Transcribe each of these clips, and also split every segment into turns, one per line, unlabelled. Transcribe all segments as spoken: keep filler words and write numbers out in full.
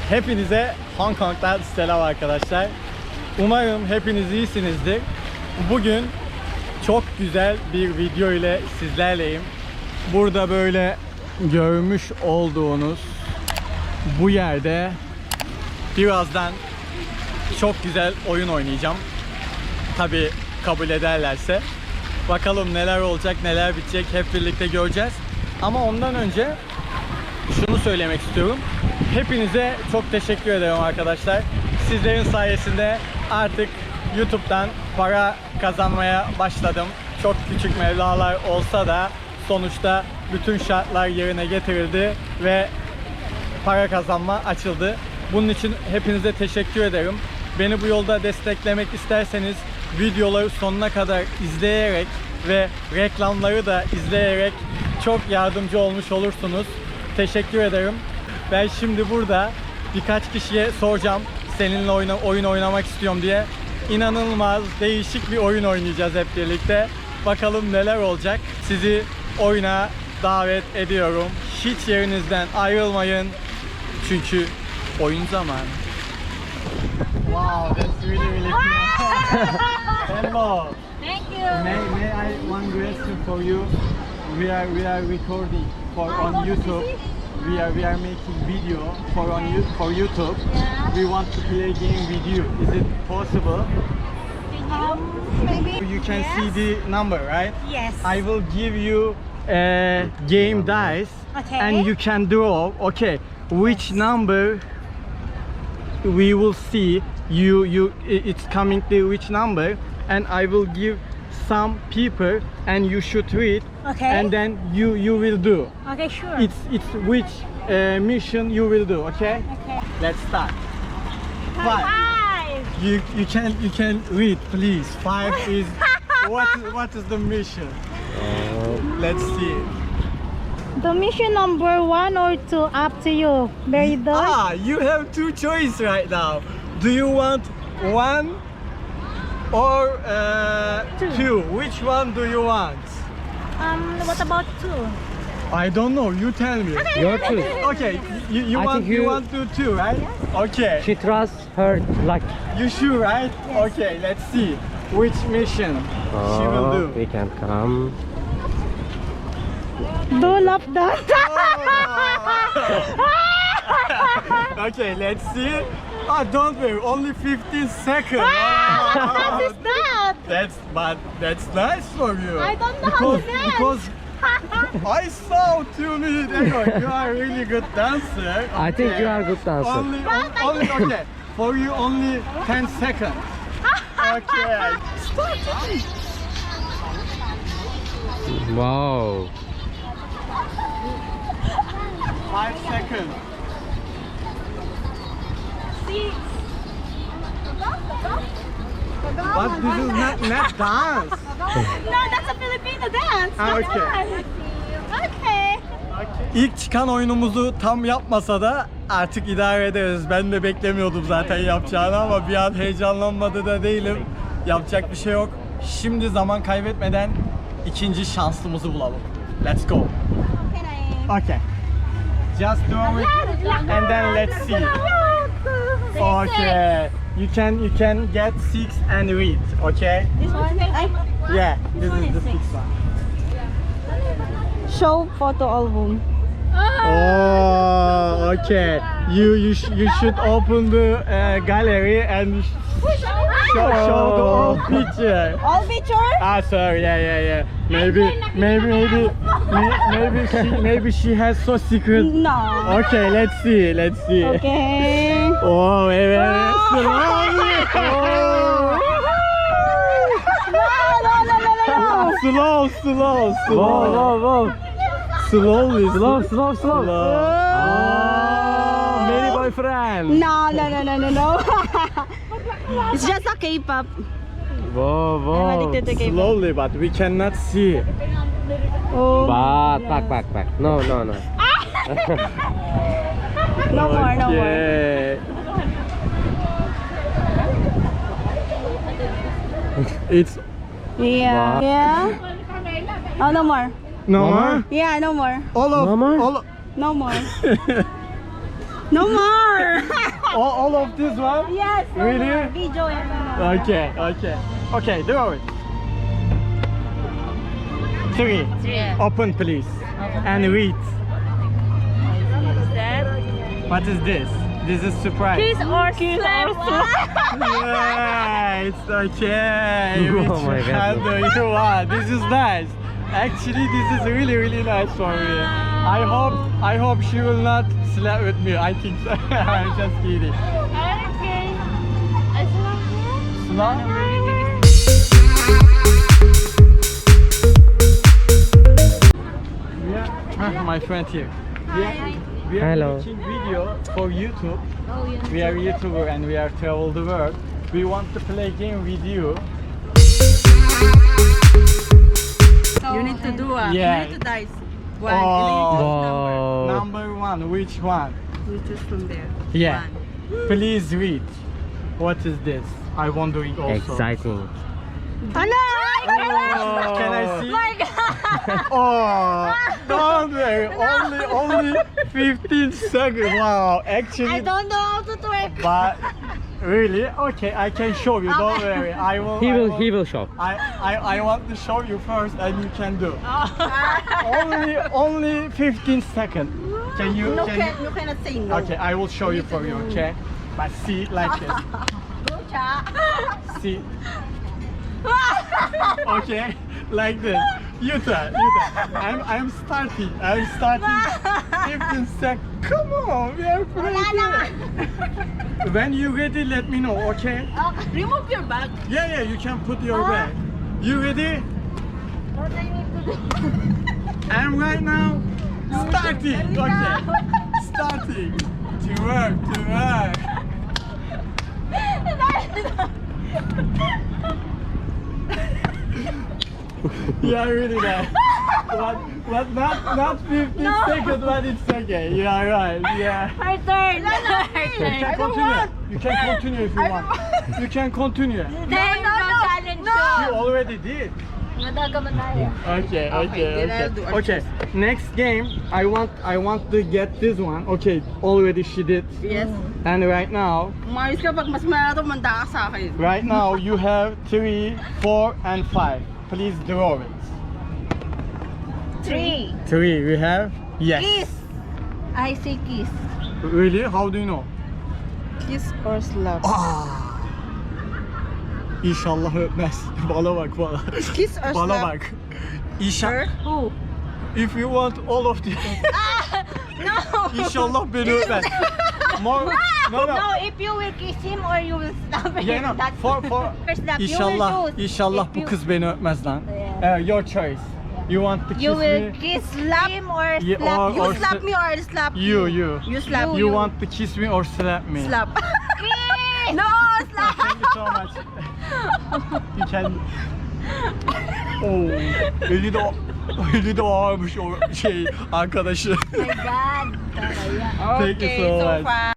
Hepinize Hong Kong'dan selam arkadaşlar. Umarım hepiniz iyisinizdir. Bugün çok güzel bir video ile sizlerleyim. Burada böyle görmüş olduğunuz bu yerde birazdan çok güzel oyun oynayacağım. Tabii kabul ederlerse. Bakalım neler olacak, neler bitecek hep birlikte göreceğiz. Ama ondan önce şunu söylemek istiyorum. Hepinize çok teşekkür ederim arkadaşlar. Sizlerin sayesinde artık YouTube'dan para kazanmaya başladım. Çok küçük meblağlar olsa da sonuçta bütün şartlar yerine getirildi ve para kazanma açıldı. Bunun için hepinize teşekkür ederim. Beni bu yolda desteklemek isterseniz videoları sonuna kadar izleyerek ve reklamları da izleyerek çok yardımcı olmuş olursunuz. Teşekkür ederim. Ben şimdi burada birkaç kişiye soracağım seninle oyun, oyun oynamak istiyorum diye. İnanılmaz değişik bir oyun oynayacağız hep birlikte. Bakalım neler olacak. Sizi oyuna davet ediyorum. Hiç yerinizden ayrılmayın. Çünkü oyun zamanı. Wow, that's really really cool. Hello.
Thank you.
May, may I one question for you? We are we are recording for on YouTube. We are we are making video for on you for YouTube.
Yeah.
We want to play game with you. Is it possible?
Um, maybe.
You can
yes.
see the number, right?
Yes.
I will give you a game dice,
Okay.
and you can draw. Okay, which number we will see? You you it's coming to which number, and I will give some people, and you should read.
Okay.
And then you you will do.
Okay, sure.
It's it's which uh, mission you will do. Okay.
Okay.
Let's start. Five.
Five.
You you can you can read, please. Five is what is what is the mission? Let's see.
The mission number one or two, up to you. Very done.
Ah, you have two choices right now. Do you want one or uh,
Two.
two? Which one do you want?
Um, what about two?
I don't know. You tell me.
Your choice.
Okay, you, you
I
want
think
you,
you-
want to two, right? Okay.
She trusts her luck.
You sure, right? Okay, let's see which mission she will do.
We can come.
Do love that.
Okay, let's see. Oh, don't worry, only fifteen seconds.
What is that?
That's but that's nice for you.
I don't know
because,
how to dance.
because I saw two minutes ago you are a really good dancer.
I think
Okay.
you are a good dancer.
Only, on- only okay. For you, only ten seconds. Okay. Start.
Wow.
Five seconds.
Six.
But this is not not dance.
No, that's a Filipino dance.
Ah,
Come
okay.
on. Okay.
İlk çıkan oyunumuzu tam yapmasa da artık idare ederiz. Ben de beklemiyordum zaten yapacağını ama bir an heyecanlanmadı da değilim. Yapacak bir şey yok. Şimdi zaman kaybetmeden ikinci şansımızı bulalım. Let's go.
Can I?
Okay. Just do it and then let's see. Okay. You can you can get six and read. Okay.
This one? I,
Yeah. This
one
is the
is
sixth one.
show photo album.
Oh, okay. You you sh you should open the uh, gallery and sh show, show the old picture.
All picture?
Ah, sorry. Yeah, yeah, yeah. Maybe maybe maybe may- maybe she maybe she has so secret.
No.
Okay, let's see. Let's see.
Okay.
Oh, very very slowly. Oh.
No, no, no, no, no, no.
Slow, slow, slow.
Wow, wow, wow.
Slowly,
Slow, slow, slow.
slow.
Oh, many boyfriend.
No, no, no, no, no, no. It's just a K-pop.
Wow,
I'm
wow.
addicted to K-pop.
Slowly, but we cannot see.
Oh.
But back, back, back. No, no, no.
No more, no more.
Okay. It's
Yeah.
What?
Yeah. Oh, no more.
no
Mama?
more.
Yeah, no more.
All of
No more?
all. Of,
No more.
No more.
all, all of this one?
Yes. No
Really?
more. Video and no more.
Okay, okay. Okay, draw it. Three.
Three.
Open, please. And read.
Is that
What is this? This is surprise.
kiss or slap?
Yes, okay.
Oh
Which
my God.
one do you want? This is nice. Actually, this is really, really nice for me. I hope, I hope she will not slap with me. I think so. I'm just kidding.
Okay.
Slap? Yeah, ah, my friend here. We are, we are
Hello.
making video for YouTube.
Oh, yes.
We are YouTuber and we are travel the world. We want to play game with you.
You need to do a.
Yeah.
You need to dice. One.
Oh.
Wow.
Number one, which one?
You choose from there.
Yeah.
One.
Please read. What is this? I'm wondering also.
Exciting.
Oh, can I see? Oh, don't worry. Only, only fifteen seconds. Wow, actually.
I don't know how to twerk.
But really, okay, I can show you. Don't worry. I will.
He
I
will, he will show.
I, I, I want to show you first, and you can do. only, only fifteen seconds. Can you?
No,
Can
can,
you?
you cannot say no.
Okay, I will show you for you. Okay, but see like this. See. Okay, like this. You try, you try. I'm, I'm starting. I'm starting. fifteen seconds. Come on, we are playing. When you ready, let me know. Okay.
Remove your bag.
Yeah, yeah. You can put your bag. You ready?
What I need to do?
I'm right now starting. Okay. Starting. To work, to work. Yeah, really nice. But, but not, not fifteen seconds, but it's okay. You are right. Yeah.
Her turn.
You can continue. You can continue if you want. You can continue.
Then, no, challenge
You already did.
Madagaman tayo.
Okay, okay,
Okay, then I'll
okay.
do a
Okay, next game, I want, I want to get this one. Okay, already she did.
Yes.
And right now,
Umayos ka pag mas malato, manda ka sa akin.
right now you have three, four, and five. Please draw it.
Three.
Three, we have? Yes.
Kiss. I say kiss.
Really? How do you know?
Kiss or slap?
Ah. İnşallah öpmez. Bana bak bana.
Kiss or
Bana
slap?
bak. İnşallah.
Who?
If you want all of this.
No.
İnşallah beni öpmez. More, no, no.
No, if you will kiss him or you will slap him.
Yeah, no.
That's
For, for,
First slap.
İnşallah,
You will choose.
inşallah
If
bu
you-
kız beni öpmez lan.
Yeah.
Uh, your choice. You want to kiss
You will
me?
kiss him or
Yeah,
slap
or-
him.
You
or
slap
sl-
me or I'll slap
You, you.
You slap
You
me.
want to kiss me or slap me?
Slap.
Kiss.
No, slap.
Thank you so much. You can. Oh, eli de, eli de ağırmış o şey arkadaşı.
My God. Talaga.
Thank you so much.
far.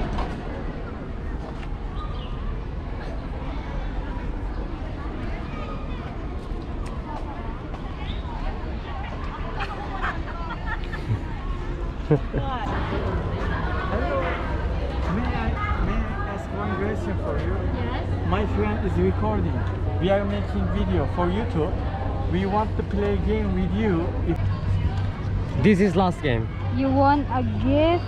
May I, may I ask one question for you?
Yes.
My friend is recording. We are making video for YouTube. We want to play game with you. If
This is last game.
You want a gift?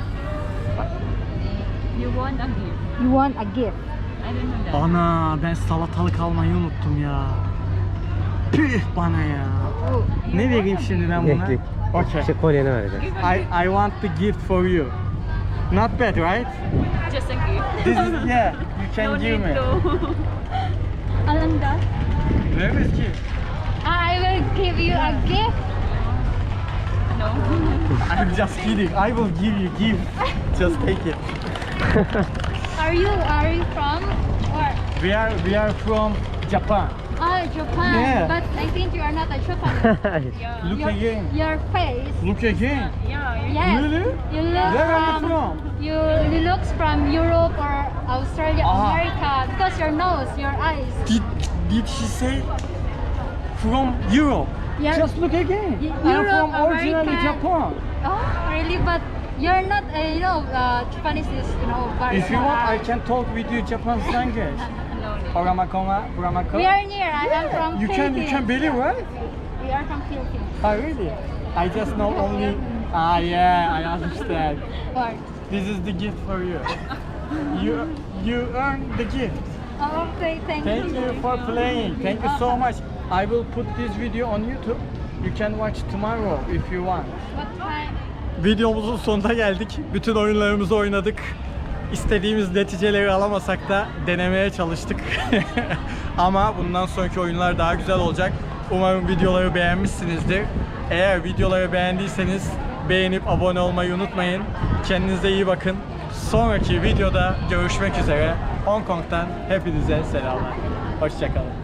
You want a gift?
You want a gift?
I don't know that.
Ana ben salatalık almayı unuttum ya. Püh bana ya.
Oh.
Ne vereyim şimdi ben buna?
Yok, yok.
Okay.
İşte kolyeni vereceğim.
I I want the gift for you. Not bad, right?
Just a gift.
This is yeah. You can give me.
Alanda?
Where is gift?
I will give you a gift.
No.
I'm just kidding. I will give you gift. Just take it.
Are you are you from where?
We are we are from Japan.
Ah, Japan.
Yeah.
But I think you are not a Japanese.
Look
your,
again.
your face.
Look again.
Yeah,
Yes.
Really?
You look
Where are you
from,
from?
You you looks from Europe or Australia,
Ah.
America because your nose, your eyes.
Did did she say from Europe?
Yeah.
Just look again.
Y-
I'm
Europe,
from originally
America.
Japan.
Oh, really? But
You're not, uh, you know, uh, Japanese is, you know, very
If you
small.
want, I can talk with you Japanese language.
No need.
Oramakoma, Buramako.
We are near. I am from
You can, you can
Philippines.
believe, right?
We are from Philippines.
Oh, really? I just know only. Ah, yeah, I understand.
What?
This is the gift for you. You, you earn the gift.
Oh, okay, thank,
Thank you for playing. Thank you so much. I will put this video on YouTube. You can watch tomorrow if you want.
What time?
Videomuzun sonuna geldik. Bütün oyunlarımızı oynadık. İstediğimiz neticeleri alamasak da denemeye çalıştık. Ama bundan sonraki oyunlar daha güzel olacak. Umarım videoları beğenmişsinizdir. Eğer videoları beğendiyseniz beğenip abone olmayı unutmayın. Kendinize iyi bakın. Sonraki videoda görüşmek üzere. Hong Kong'tan hepinize selamlar. Hoşça kalın.